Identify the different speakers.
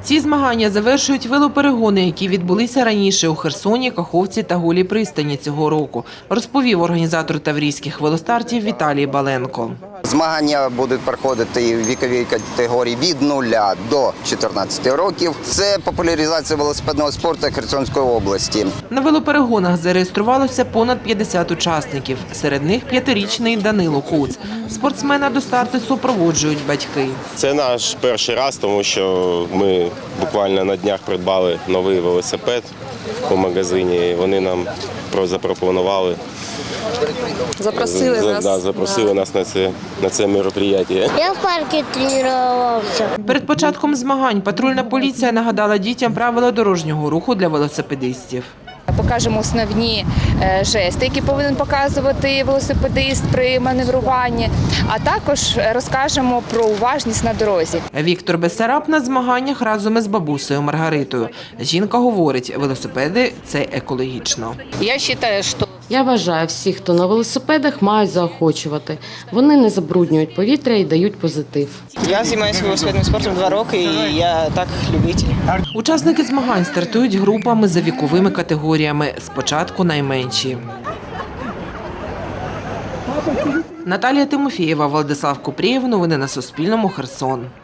Speaker 1: Ці змагання завершують велоперегони, які відбулися раніше у Херсоні, Каховці та Голій пристані цього року, розповів організатор таврійських велостартів Віталій Баленко.
Speaker 2: Змагання будуть проходити в віковій категорії від 0 до 14 років. Це популяризація велосипедного спорту Херсонської області.
Speaker 1: На велоперегонах зареєструвалося понад 50 учасників. Серед них 5-річний Данило Куц. Спортсмена до старту супроводжують батьки.
Speaker 3: Це наш перший раз, тому що ми буквально на днях придбали новий велосипед у магазині. Вони нам запропонували. Запросили нас на це мероприятие.
Speaker 4: Я в парку тренувався.
Speaker 1: Перед початком змагань патрульна поліція нагадала дітям правила дорожнього руху для велосипедистів.
Speaker 5: Покажемо основні жести, які повинен показувати велосипедист при маневруванні, а також розкажемо про уважність на дорозі.
Speaker 1: Віктор Бессараб на змаганнях разом із бабусею Маргаритою. Жінка говорить, велосипеди – це екологічно.
Speaker 6: Я вважаю, всіх, хто на велосипедах, мають заохочувати. Вони не забруднюють повітря і дають позитив.
Speaker 7: Я займаюся велосипедним спортом 2 роки і я так любитель.
Speaker 1: Учасники змагань стартують групами за віковими категоріями. Спочатку найменші. Наталія Тимофієва, Владислав Купрієв. Новини на Суспільному. Херсон.